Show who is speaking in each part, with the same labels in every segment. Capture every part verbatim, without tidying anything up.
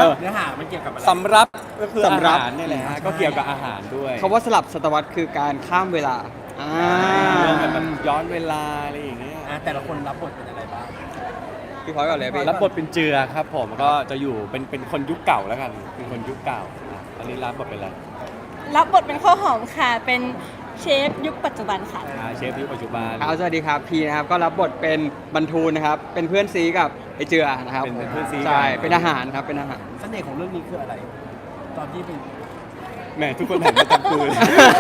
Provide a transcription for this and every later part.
Speaker 1: เนื้อหามันเกี่ยวกับอะไร
Speaker 2: สำรับก็คืออา
Speaker 3: สำรับ
Speaker 2: หารนี่แหละฮะก็เกี่ยวกับอาหารด้วย
Speaker 3: คำว่าสลับศตวรรษคือการข้ามเวลาอ่า
Speaker 2: เรื่องแบบย้อนเวลาอะไรอย่างเงี้ย
Speaker 1: อ่ะแต่ละคนรับบทเป็นอะไรบ้าง
Speaker 3: พี่พลอยก่อนเลยพี่
Speaker 2: รับบทเป็นเจือครับผมก็จะอยู่เป็นเป็นคนยุคเก่าแล้วกันเป็นคนยุคเก่าอ่ะอันนี้รับบทเป็นอะไร
Speaker 4: รับบทเป็นข้าวหอมค่ะ เป็นเชฟยุคปัจจุบันค่ะ
Speaker 2: อ่าเชฟยุคปัจจุบัน
Speaker 3: ครับสวัสดีครับพีนะครับก็รับบทเป็นบรรทูลนะครับเป็นเพื่อนซีกับไอเจือนะครับ
Speaker 2: เป็นเป็นเพื่อนซี
Speaker 3: ใช่
Speaker 2: กัน
Speaker 3: เป็นอาหารครับเป็นอาหาร
Speaker 1: เสน่ห์ของเรื่องนี้คืออะไร ตอนที่เป็น
Speaker 2: แหมทุกคนหันมาจับกูเลย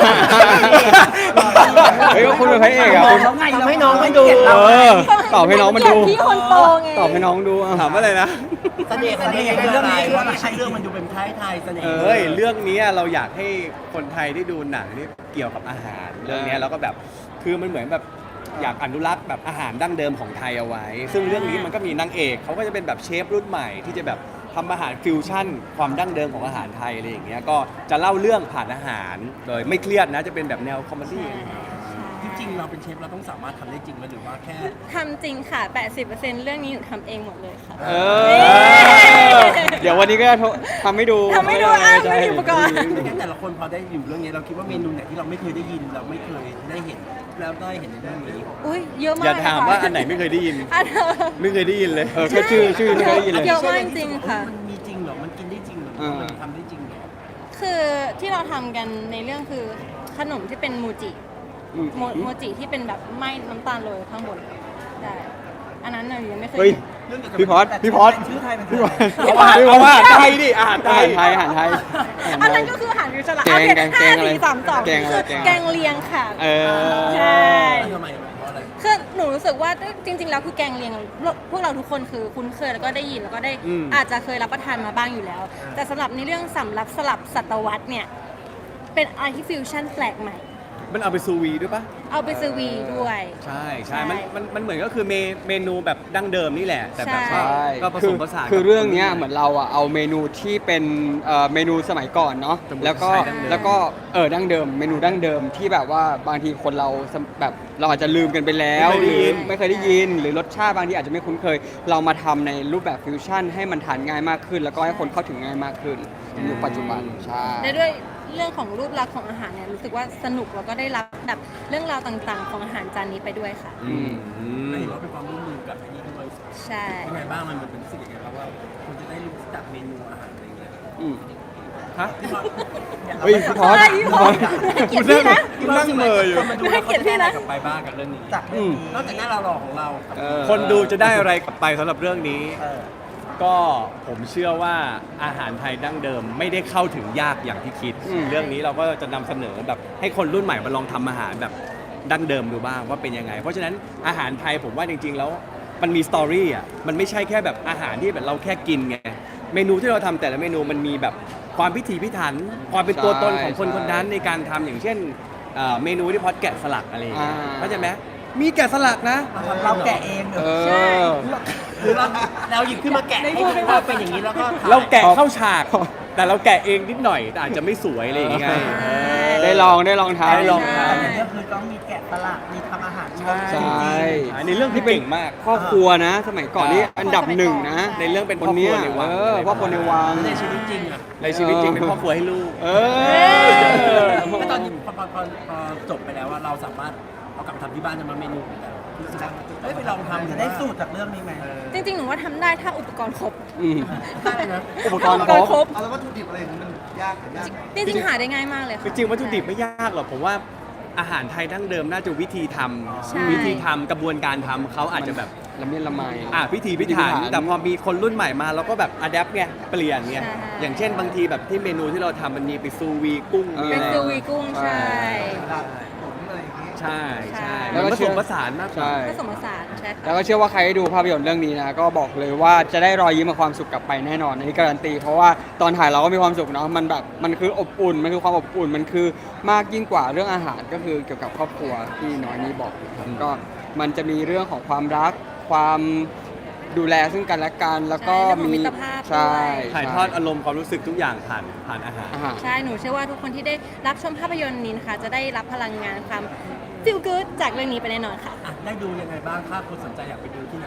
Speaker 3: เฮ้ยก็คุณเป็นพระเอกอะคุณ
Speaker 1: ทำให้น้องมันดู
Speaker 3: เออตอบให้น้องมันดู
Speaker 4: พี่คนโตไง
Speaker 3: ตอบให้น้องดูอ่ะ
Speaker 2: ถามว่าอะไรนะ
Speaker 1: เสน่ห์เสน่ห์ของเรื่องนี้ว่าไม่ใช่เรื่องมันดูเป็นไทยไทยเสน่ห์
Speaker 2: เอ้ยเรื่องนี้เราอยากให้คนไทยได้ดูหนังที่เกี่ยวกับอาหาร เรื่องนี้เราก็แบบคือมันเหมือนแบบอยากอนุรักษ์แบบอาหารดั้งเดิมของไทยเอาไว้ ซึ่งเรื่องนี้มันก็มีนางเอกเขาก็จะเป็นแบบเชฟรุ่นใหม่ที่จะแบบทำอาหารฟิวชั่น ความดั้งเดิมของอาหารไทยอะไรอย่างเงี้ยก็จะเล่าเรื่องผ่านอาหารโดยไม่เครียดนะจะเป็นแบบแนวคอมเมดี้
Speaker 1: จริงๆเราเป็นเชฟเราต้องสามารถทำได้จริงไหมหรือว่าแค่
Speaker 4: ทำจริงค่ะ แปดสิบเปอร์เซ็นต์ เรื่องนี้หนูทำเองหมดเลยค่ะ
Speaker 3: เออเดี๋ยววันนี้ก็จะทำให้ดู
Speaker 4: ทำให้ดูอ่ะไม่มีอุปกรณ์
Speaker 1: ไม่งั้นแต่ละคนพอได้อยู่เรื่องนี้เราคิดว่าเมนูไหนที่เราไม่เคยได้ยินเราไม่เคยได้เห็นแล้วได้เห็นในเรื่องนี้
Speaker 4: อุ้ยเยอะมาก
Speaker 2: อย่าถามว่า
Speaker 4: ค่ะ
Speaker 2: อันไหนไม่เคยได้ยิน
Speaker 4: อันเออ
Speaker 2: ไม่เคยได้ยินเลย
Speaker 3: เออแค่ชื่อชื่อไม่เคยได้ยินเลย
Speaker 4: เยอะมากจริงค่ะ
Speaker 1: มันมีจริงเหรอมันกินได้จริงเหรอ
Speaker 3: อ่ามั
Speaker 1: มันทำได้จริงเหรอ
Speaker 4: คือที่เราทำกันในเรื่องคือขนมที่เป็นมูจิ
Speaker 3: อืม
Speaker 4: โมโมจิที่เป็นแบบไหม้น้ำตาลโรยข้างบนใช่อันนั้นเรายังไม่เคย
Speaker 3: เฮ้ย
Speaker 1: เรื่องเกี่ยวกับ
Speaker 3: พี่พอดพี่พอด
Speaker 1: ชื่อไทยมัน
Speaker 3: พี่พอด
Speaker 2: เอาอาหารเอาอาหารไทยดิอาหารไท
Speaker 3: อาย หารไทยอาหารไทยอาหารไทย
Speaker 4: อันนั้นก็คืออาหารฟิวชั่นละ
Speaker 3: แกง
Speaker 4: เอาเป็น
Speaker 3: แกง
Speaker 4: ห้า
Speaker 3: แกงอะไร
Speaker 4: สี่สามสอง
Speaker 3: แกงอะไร
Speaker 4: คือ
Speaker 3: แกงอะไร
Speaker 4: แกงเลียงค่ะ
Speaker 3: เออ
Speaker 4: ใช่
Speaker 1: ทำไมเพราะอะไร
Speaker 4: คือหนูรู้สึกว่าจริง ๆ แล้วคือแกงเลียงพวกเราทุกคนคือคุ้นเคยแล้วก็ได้ยินแล้วก็ได้
Speaker 2: อืม
Speaker 4: อาจจะเคยรับประทานมาบ้างอยู่แล้ว แต่สำหรับในเรื่องสำรับสลับศตวรรษเนี่ยเป็นอะไรที่ฟิวชั่นแปลกใหม่
Speaker 2: มันเอาไปซูวีด้วยปะ
Speaker 4: เอาไปซื้อวีด้วย
Speaker 2: ใช่ใช่
Speaker 4: ใช่
Speaker 2: มันมันมันเหมือนก็คือเมเมนูแบบดั้งเดิมนี่แหละ แต่แบบ
Speaker 4: ใช่
Speaker 2: ว่าก็ผ
Speaker 3: คื
Speaker 2: ส
Speaker 3: อ
Speaker 2: มผสาน
Speaker 3: คือ
Speaker 2: กับ
Speaker 3: เรื่องเนี้ยเหมือนเราอะเอาเมนูที่เป็นเอ่อเมนูสมัยก่อนเนาะ
Speaker 2: สมุนไพร
Speaker 3: แล้วก็
Speaker 2: ดั้งเดิม
Speaker 3: แล้วก็เออดั้งเดิม เมนูดั้งเดิมที่แบบว่าบางทีคนเราสมแบบเราอาจจะลืมกันไปแล้วหรือไม่เคยได้ยิน หรือรสชาติบางทีอาจจะไม่คุ้นเคย เรามาทำในรูปแบบฟิวชั่นให้มันทานง่ายมากขึ้น แล้วก็ให้คนเข้าถึงง่ายมากขึ้นในยุคปัจจุบันใช่
Speaker 4: และด้วยเรื่องของรูปลักษณ์ของอาหารเนี่ยรู้สึกว่าสนุกแล้วก็ได้รับแบบเรื่องราวต่างๆ ของอาหารจานนี้ไปด้วยค่ะ
Speaker 2: อืมอืม
Speaker 1: เห็นว่าเป็นความร่วมมือกับไอ้นี่ด้วย
Speaker 4: ใช่
Speaker 1: ยังไงบ้างมันเป็นสิ่งยังไงบ้างว่าคุณจะได้รู้จักเมนูอาหารอะไรอย่างเงี้ย
Speaker 3: อืม
Speaker 2: ฮะ
Speaker 3: เฮ้ยพี่พอด
Speaker 4: ใช่
Speaker 3: พี่
Speaker 4: พี่
Speaker 3: พ
Speaker 4: พ
Speaker 3: อ
Speaker 4: อ
Speaker 3: ด
Speaker 4: ดให้เกียรติพี่นะ
Speaker 2: กูนั่งเหม่ออยู่
Speaker 1: คนมาดูแล้วเขาจะได้อะไรกลับไปบ้างกับเรื่องนี้
Speaker 3: อืม
Speaker 1: นอกจากหน้าเราหล่อของเรา
Speaker 3: เออ
Speaker 2: คนดูจะได้อะไรกลับไปสำหรับเรื่องนี้
Speaker 1: เออ
Speaker 2: ก็ผมเชื่อว่าอาหารไทยดั้งเดิมไม่ได้เข้าถึงยากอย่างที่คิด
Speaker 3: อืม
Speaker 2: เรื่องนี้เราก็จะนำเสนอแบบให้คนรุ่นใหม่มาลองทำอาหารแบบดั้งเดิมดูบ้างว่าเป็นยังไง เพราะฉะนั้นอาหารไทยผมว่าจริงๆแล้วมันมีสตอรี่อ่ะมันไม่ใช่แค่แบบอาหารที่แบบเราแค่กินไงเมนูที่เราทำแต่ละเมนูมันมีแบบความพิถีพิถัน ความเป็นตัวตนของคน
Speaker 3: ใช่
Speaker 2: คนนั้นในการทำอย่างเช่นเอ่อเมนูที่พอดแกะสลักอะไรอย่างเงี้ย
Speaker 3: อ่า
Speaker 2: เข้าใจไหมมีแกะสลักนะ
Speaker 1: เราแกะเองเหร
Speaker 3: เอ
Speaker 1: อ
Speaker 4: ใช่
Speaker 3: อ
Speaker 1: หรือเราเราหยิบขึ้นมาแกะให้ดูว่าเป็นอย่างนี้แล้วก็ถ่ย
Speaker 2: เราแกะเข้าฉาก แต่เราแกะเองนิดหน่อยแต่อาจจะไม่สวยอะไรอย่างเงี้ย
Speaker 3: เออ ได้ลองได้ลองทาน
Speaker 2: ได้ลอง
Speaker 4: ใช่
Speaker 1: แต่เรื่องคือต้องมีแกะสลักมีทำอาหาร
Speaker 2: ใช่
Speaker 3: ใช่
Speaker 2: อันนี้เรื่องที่เก่งมาก
Speaker 3: พ่อครัวนะ สมัยก่อนนี่อันดับหนึ่งนะ
Speaker 2: ในเรื่องเป็น
Speaker 3: ค
Speaker 2: พ่อน ครั
Speaker 3: เนี้
Speaker 2: วย ในวัง
Speaker 3: เออพ่อคนในวัง
Speaker 1: ในชีวิตจริงอ่ะ
Speaker 2: ในชีวิตจริงเป็นพ่อครัวให้ลูก
Speaker 3: เออ
Speaker 1: ก็ตอนนี้พอพอพอพอจบไปแล้วว่าเราสามารถเอากลับมาทำที่บ้านจะมาเมนูแต่รู้สึกว่าเฮ้ยไปลองทำจะได้สูตรจากเรื่องนี้ไหม
Speaker 4: จริงๆ หนูว่าทำได้ถ้าอุปกรณ์ครบ
Speaker 3: อืม
Speaker 1: ได้นะ
Speaker 3: อุปกรณ์
Speaker 4: อุป
Speaker 3: ค
Speaker 4: ก
Speaker 3: ร
Speaker 4: ร
Speaker 3: บ
Speaker 4: ณ์ครบ
Speaker 5: เอาแล้ววัตถุดิบอะไรอย่างนี้มันยากหรือยาก
Speaker 4: จริงๆ หาได้ง่ายมากเลย
Speaker 2: จ
Speaker 4: ค่ะ
Speaker 2: ริงๆวัตถุดิบไม่ยากหรอกผมว่าอาหารไทยดั้งเดิมน่าจะวิธีท
Speaker 4: ใช่
Speaker 2: ำวิธีทำกระบวนการทำเขาอาจจะแบบ
Speaker 3: ละเมียดละไม
Speaker 2: อ่ะพิธีพิถันแต่พอมีคนรุ่นใหม่มาเราก็แบบอัดแอปไงเปลี่ยนไง
Speaker 4: ใช่
Speaker 2: อย่างเช่นบางทีแบบที่เมนูที่เราทำมันมีไปซูวีกุ้ง
Speaker 3: เออ
Speaker 2: มี
Speaker 4: เป็
Speaker 2: อะ
Speaker 4: น
Speaker 2: ไร
Speaker 4: ซูวีกุ้งใช่
Speaker 5: เวลาตุ๋นอะไรอย่างนี้
Speaker 2: ใช่ใช่
Speaker 3: แล้
Speaker 2: แล้ว
Speaker 3: วก็
Speaker 2: ก็ผ
Speaker 3: เชื่
Speaker 2: ส
Speaker 3: อ
Speaker 2: มผสานมากกว่า
Speaker 3: ใช่
Speaker 4: ผสมผสานใช่
Speaker 3: แล้ว
Speaker 4: ค่ะ
Speaker 3: ก็เชื่อว่าใครได้ดูภาพยนตร์เรื่องนี้นะก็บอกเลยว่าจะได้รอยยิ้มกับความสุขกลับไปแน่นอนอันนี้การันตี เพราะว่าตอนถ่ายเราก็มีความสุขเนาะมันแบบมันคืออบอุ่นมันคือความอบอุ่นมันคือมากยิ่งกว่าเรื่องอาหารก็คือเกี่ยวกับครอบครัวที่น้อยนี้บอกครับก็มันจะมีเรื่องของความรักความดูแลซึ่งกันและกันแล้วก็
Speaker 4: ใช่เรื่องของ
Speaker 3: มี
Speaker 4: มิตรภาพ
Speaker 3: ใช่
Speaker 4: ด้วย
Speaker 2: ถ่ายทอดอารมณ์ความรู้สึกทุกอย่างผ่านผ่านอาหาร
Speaker 3: อาหาร
Speaker 4: ใช่ หนูเชื่อว่าทุกคนที่ได้รับชมภาพยนตร์นี้นะคะ จะได้รับพลังงานความฟิลกู๊ดจากเรื่องนี้ไปแน่นอนค่ะ
Speaker 1: อ่ะได้ดูยังไงบ้างถ้าคนสนใจอยากไปดูที่ไหน
Speaker 2: ด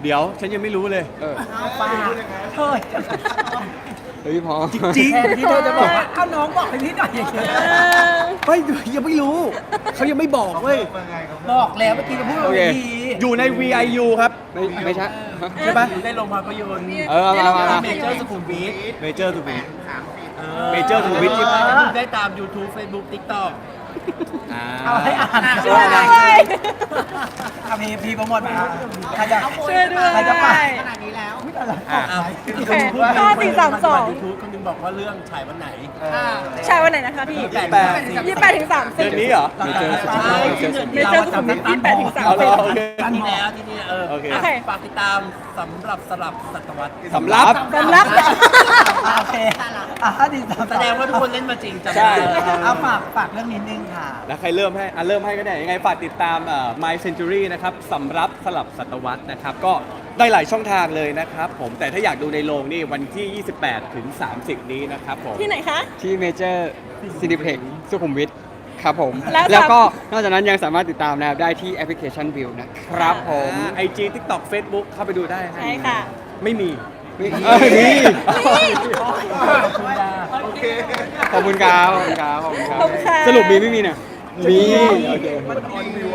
Speaker 2: เดี๋ยวฉันยังไม่รู้เลย
Speaker 3: เออ
Speaker 1: เอาป้าเฮ้ย
Speaker 3: เฮ้ยพอ
Speaker 2: จริง
Speaker 1: แทนที่เธอจะบอกว่าเอาน้องบอกให้พี่หน่อยอย่างเงี้ย
Speaker 2: เฮ้ยยังไม่รู้ เขายังไม่บอกเว้ย
Speaker 5: เป็นไงครับ
Speaker 1: บอกแล้วเมื่อกี้จะพูด
Speaker 3: โอ
Speaker 1: ว่า
Speaker 3: เค
Speaker 1: ดี
Speaker 2: อยู่ใน วี ไอ ยู ครับ
Speaker 3: ไม่ไม่ใช่ฮะ
Speaker 2: ใช่ปะ
Speaker 1: อยู่ในโรงภาพยนตร์
Speaker 3: เออเอามามามา
Speaker 1: เมเจอร์สุขุมวิท
Speaker 2: เมเจอร์ทูวิท เมเจอร์สุขุมวิท
Speaker 1: ที่ได้ตาม YouTube Facebook TikTok
Speaker 2: อ่า
Speaker 1: เอาให้อ่าน
Speaker 4: ช่วยด้วย
Speaker 1: อ่ะพีพีโปรโมทมาใครจะ
Speaker 4: ช่วยด้วย
Speaker 1: ใครจะไป
Speaker 2: อ่ะ
Speaker 1: อ้าว
Speaker 4: โอเคห้าสี่สามสอง
Speaker 1: ยูทูบคนหนึงบอกว่าเรื่องฉายวันไหน
Speaker 4: ใช่วันไหนนะคะพี่
Speaker 1: แปด
Speaker 4: ยี่สิบแปดถึงสามสิ
Speaker 2: เดื
Speaker 4: บ
Speaker 2: อนนี้เหรอ
Speaker 3: เมเจอร์
Speaker 1: ใช่
Speaker 4: เมเจอร์สุขุมวิทยี่สิบแปดถึงสาม
Speaker 2: เอา
Speaker 4: สิ
Speaker 2: เหร
Speaker 4: บ
Speaker 2: อโอเค
Speaker 1: ที่แล้วที่นี่เออ
Speaker 2: โอเค
Speaker 1: อ่ะฝากติดตามสำหรับสลับศตวรรษ
Speaker 2: สำรับ
Speaker 4: สำรับ
Speaker 1: โอเคอ่ะดีแสดงว่าทุกคนเล่นมาจริงจัง
Speaker 2: ใช่
Speaker 1: เอาฝากฝากเรื่องนิดนึงค่ะ
Speaker 2: แล้วใครเริ่มให้อ่ะเริ่มให้ก็ได้ยังไงฝากติดตามเอ่อ My Century นะครับสำรับสลับศตวรรษนะครับ ก็ได้หลายช่องทางเลยนะครับผมแต่ถ้าอยากดูในโรงนี่วันที่ ยี่สิบแปดถึงสามสิบ นี้นะครับผม
Speaker 4: ที่ไหนคะ
Speaker 3: ที่เมเจอร์ซินิเพ็กสุขุมวิทครับผม
Speaker 4: แล้ว
Speaker 3: แล้วก็นอกจากนั้นยังสามารถติดตามนะครับได้ที่แอปพลิเคชันวิวนะครับผม
Speaker 2: ไอจีทิกตอกเฟซบุ๊กเข้าไปดูได้น
Speaker 4: ใช่ค่ะ
Speaker 2: ไม่มี
Speaker 3: เออนี่
Speaker 5: โอเค
Speaker 3: ขอบคุณครับขอบคุณครับขอบคุณครับ
Speaker 4: ขอบคุณค่ะ
Speaker 3: สรุปมีไม่มีเนี่ยมีโอเค